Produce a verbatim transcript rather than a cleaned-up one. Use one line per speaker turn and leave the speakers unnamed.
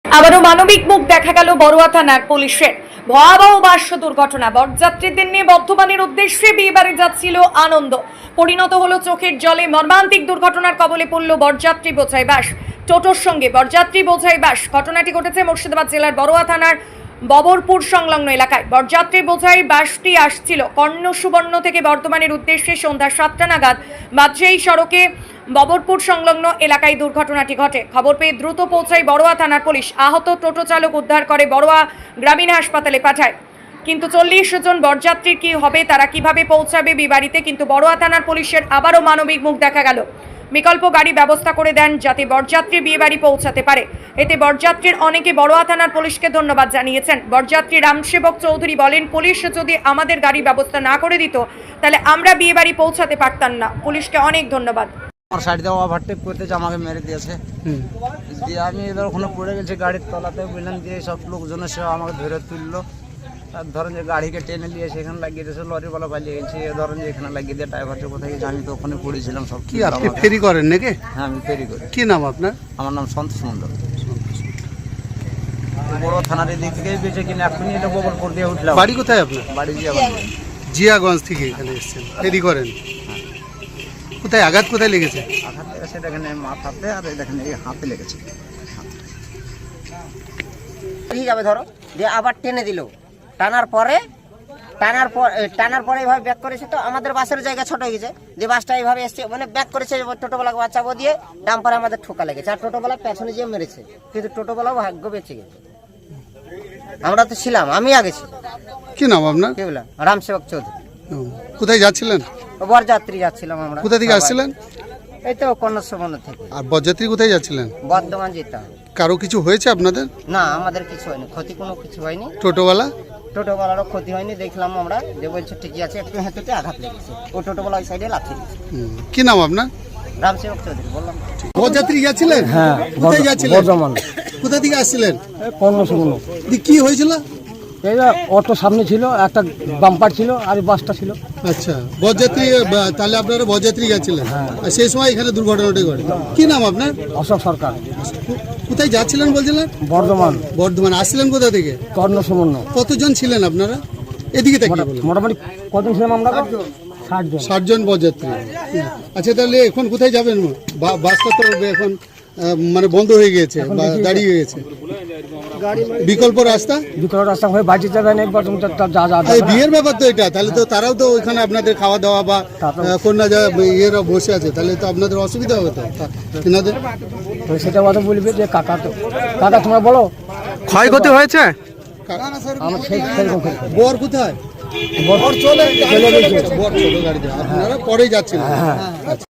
আবারও মানবিক মুখ দেখা গেল বড়ুয়া থানার পুলিশের। ভয়াবহ বাস দুর্ঘটনা। বরযাত্রীদের নিয়ে বর্ধমানের উদ্দেশ্যে বিয়ে বাড়ি যাচ্ছিল আনন্দ, পরিণত হলো চোখের জলে। মর্মান্তিক দুর্ঘটনার কবলে পড়ল বরযাত্রী বোঝাই বাস টোটোর সঙ্গে বরযাত্রী বোঝাই বাস। ঘটনাটি ঘটেছে মুর্শিদাবাদ জেলার বড়ুয়া থানার ববরপুর সংলগ্ন এলাকায়। বরযাত্রী বোঝাই বাসটি আসছিল কর্ণ সুবর্ণ থেকে বর্ধমানের উদ্দেশ্যে সন্ধ্যা সাতটা নাগাদ বাজেই সড়কে ববরপুর সংলগ্ন এলাকায় দুর্ঘটনাটি ঘটে। খবর পেয়ে দ্রুত পৌঁছায় বড়ুয়া থানার পুলিশ। আহত টোটো চালক উদ্ধার করে বড়ুয়া গ্রামীণ হাসপাতালে পাঠায়। কিন্তু চল্লিশ জন বরযাত্রীর কি হবে, তারা কিভাবে পৌঁছাবে বিবাড়িতে? কিন্তু বড়ুয়া থানার পুলিশের আবারও মানবিক মুখ দেখা গেল। বিকল্প গাড়ি ব্যবস্থা করে দেন যাতে বরযাত্রী বিয়ে বাড়ি পৌঁছাতে পারে। এতে বরযাত্রীর অনেকে বড়ুয়া থানার পুলিশকে ধন্যবাদ জানিয়েছেন। বরযাত্রী রামসেবক চৌধুরী বলেন, পুলিশ যদি আমাদের গাড়ি ব্যবস্থা না করে দিত তাহলে আমরা বিয়ে বাড়ি পৌঁছাতে পারতাম না। পুলিশকে অনেক ধন্যবাদ।
আমার সাইড দিয়ে ওভারটেক করতে আমাকে মেরে দিয়েছে, দিয়ে আমি এদের ওখানে পড়ে গেছি গাড়ির তলাতে বুঝলেন, দিয়ে সব লোকজনের সে আমাকে ধরে তুললো। আর ধরেন যে গাড়িকে টেনে নিয়ে সেখানে লাগিয়ে দিয়েছে, লরিওয়ালা পালিয়ে গেছে। ধরেন যে এখানে লাগিয়ে দিয়ে ড্রাইভারটা কোথায় গেছে, আমি তো ওখানে পড়েছিলাম। সব
কি আপনি ফেরি করেন নাকি?
হ্যাঁ, আমি ফেরি করি।
কি নাম আপনার?
আমার নাম সন্তোষ মন্ডল। বড় থানার দিক থেকে বেঁচে কিনে এখনই এটা ববরপুর দিয়ে উঠলাম।
বাড়ি কোথায় আপনার?
বাড়ি জিয়াগঞ্জ।
জিয়াগঞ্জ থেকে এখানে এসেছেন, ফেরি করেন। কোথায় আঘাত কোথায় লেগেছে?
আঘাত লেগেছে দেখেন মাথাতে, আর দেখেন এই হাতে লেগেছে।
ঠিক আছে, ধরো দিয়ে আবার টেনে দিল। টানার পরে টানার পর টানার পরে এইভাবে ব্যাক করেছে, তো আমাদের বাসের জায়গা ছোট হয়ে গেছে। যে বাসটা এইভাবে এসছে, মানে ব্যাক করেছে, টোটোবেলাকে বাঁচাবো দিয়ে ডাম্পারে আমাদের ঠোকা লেগেছে। আর টোটোবেলা পেছনে যেয়ে মেরেছে, কিন্তু টোটোবেলাও ভাগ্য বেঁচে গেছে। আমরা তো ছিলাম, আমি আগে ছিলাম।
কি নাম আপনার?
কি বললাম? রামসেবক চৌধুরী।
কোথায় যাচ্ছিলেন?
বরযাত্রী যাচ্ছিলাম আমরা।
কোথা থেকে আসছিলেন?
এই তো কন্যাসুবর্ণ থেকে।
আর বরযাত্রী কোথায় যাচ্ছিলেন?
বর্ধমান যেতে হবে।
কারো কিছু হয়েছে আপনাদের?
না, আমাদের কিছু হয়নি, ক্ষতি কোনো কিছু হয়নি।
টোটোওয়ালা?
টোটোওয়ালারও ক্ষতি হয়নি, দেখলাম আমরা, যে বলছে ঠিকই আছে, একটু হেঁটে আঘাত লেগেছে। ও টোটোওয়ালা ওই সাইডে লাথি দিয়েছে।
কি নাম আপনার?
রামসেবক চৌধুরী বললাম।
বরযাত্রী যাচ্ছিলেন?
হ্যাঁ,
কোথায় যাচ্ছিলেন?
বর্ধমান।
কোথা থেকে আসছিলেন?
কর্ণসুবর্ণ।
কি হয়েছিল?
এই যে অটো সামনে ছিল, একটা বাম্পার ছিল, আর এই বাসটা ছিল।
আচ্ছা, বরযাত্রী, তাহলে আপনারা বরযাত্রী যাচ্ছিলেন, আর সেই সময় এখানে দুর্ঘটনাটি ঘটে। কি নাম আপনার?
অশোক সরকার।
কোথায় যাচ্ছিলেন বলছিলেন?
বর্ধমান।
বর্ধমান। আসছিলেন কোথা থেকে?
কর্ণসুবর্ণ।
কতজন ছিলেন আপনারা? এদিকে তাকিয়ে বলুন।
মোটামুটি কতজন ছিলাম আমরা? ষাট জন।
ষাট জন বরযাত্রী। আচ্ছা, তাহলে এখন কোথায় যাবেন? বা- বাসটা তো এখন আহ, মানে বন্ধ হয়ে গিয়েছে বা দাঁড়িয়ে গেছে। বিকল্প রাস্তা?
বিকল্প রাস্তা হয়ে বাড়ি যাবেন, একবার তুমি তো যা যা
এই বিয়ের ব্যাপার তো এটা, তাহলে তো তারাও তো ওইখানে আপনাদের খাওয়া দাওয়া বা আহ, কন্যা যা ইয়েরা বসে আছে, তাহলে তো আপনাদের অসুবিধা হবে তো তেনাদের।
তো সেটা কথা বলবে যে কাকা, তো কাকা তোমরা বলো
ক্ষয়ক্ষতি হয়েছে?
আমার সেই সেরকম ক্ষতি।
বর কোথায়?
বর চলে
চলে গেছে। বর ছোট গাড়িতে, আপনারা পরে যাচ্ছেন।